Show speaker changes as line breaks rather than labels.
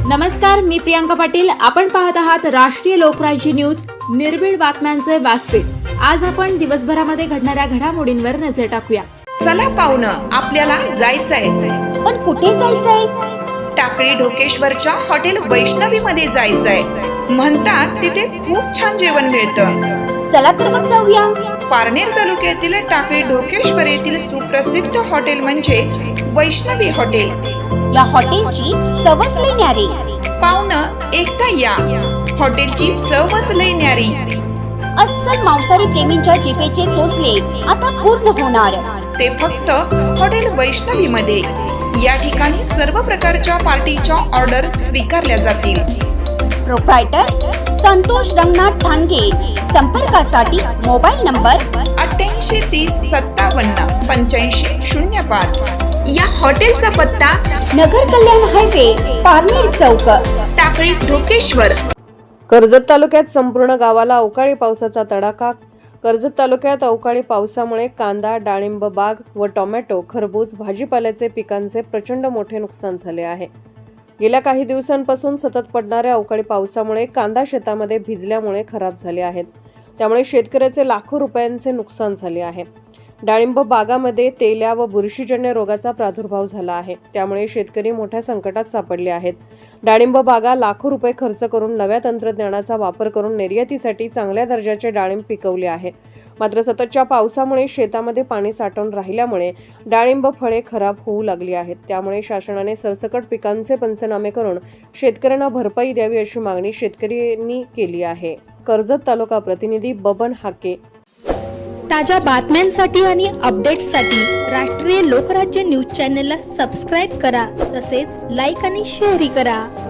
नमस्कार, मी प्रियांका पाटील. आपण पाहत आहात राष्ट्रीय लोकराज्य न्यूज, निर्भीड बातम्यांचे व्यासपीठ. आज आपण दिवसभरामध्ये घडणाऱ्या घडामोडींवर नजर टाकूया.
चला पाहुणं, आपल्याला जायचंय.
पण कुठे जायचंय?
टाकळी ढोकेश्वरच्या हॉटेल वैष्णवी मध्ये जायचंय. म्हणतात तिथे खूप छान जेवण मिळतं.
चला तर मग जाऊया.
पारनेर तालुक्यातील टाकळी ढोकेश्वर येथील सुप्रसिद्ध हॉटेल म्हणजे वैष्णवी हॉटेल.
या हॉटेलची चवच लई न्यारी.
पाहुणं, एकदा या. हॉटेलची चवच लई न्यारी.
अस्सल मांसाहारी प्रेमींच्या जिभेचे चोचले आता पूर्ण होणार.
ते फक्त हॉटेल वैष्णवी मध्ये. या ठिकाणी सर्व प्रकारच्या पार्टीच्या ऑर्डर स्वीकारल्या जातील.
प्रोप्रायटर संतोष रंगनाथ ठाणगे. संपर्कासाठी मोबाईल नंबर
8830578505. या हॉटेलचा पत्ता
नगर कल्याण हायवे, पारनेर चौक,
टाकळी ढोकेश्वर.
कर्जत तालुक्यात संपूर्ण गावाला अवकाळी पावसाचा तडाखा. कर्जत तालुक्यात अवकाळी पावसामुळे कांदा, डाळिंब बाग व टोमॅटो, खरबूज, भाजीपाल्याचे पिकांचे प्रचंड मोठे नुकसान झाले आहे. गेल्या काही दिवसांपासून सतत पडणाऱ्या अवकाळी पावसामुळे कांदा शेतामध्ये भिजल्यामुळे खराब झाले आहेत. त्यामुळे शेतकऱ्याचे लाखो रुपयांचे नुकसान झाले आहे. डाळिंब बागामध्ये तेल्या व बुरशीजन्य रोगाचा प्रादुर्भाव झाला आहे. त्यामुळे शेतकरी मोठ्या संकटात सापडले आहेत. डाळिंब बागा लाखो रुपये खर्च करून नव्या तंत्रज्ञानाचा वापर करून निर्यातीसाठी चांगल्या दर्जाचे डाळिंब पिकवले आहे. मात्र सततच्या पावसामुळे शेतामध्ये पाणी साठून राहिल्यामुळे डाळिंब फळे खराब होऊ लागली आहेत. त्यामुळे शासनाने सरसकट पिकांचे पंचनामे करून शेतकऱ्यांना भरपाई द्यावी अशी मागणी शेतकऱ्यांनी केली आहे. कर्जत तालुका प्रतिनिधी बबन हाके.
ताज्या बातम्यांसाठी आणि अपडेट्ससाठी राष्ट्रीय लोकराज्य न्यूज चॅनलला सबस्क्राईब करा. तसेच लाईक आणि शेअरही करा.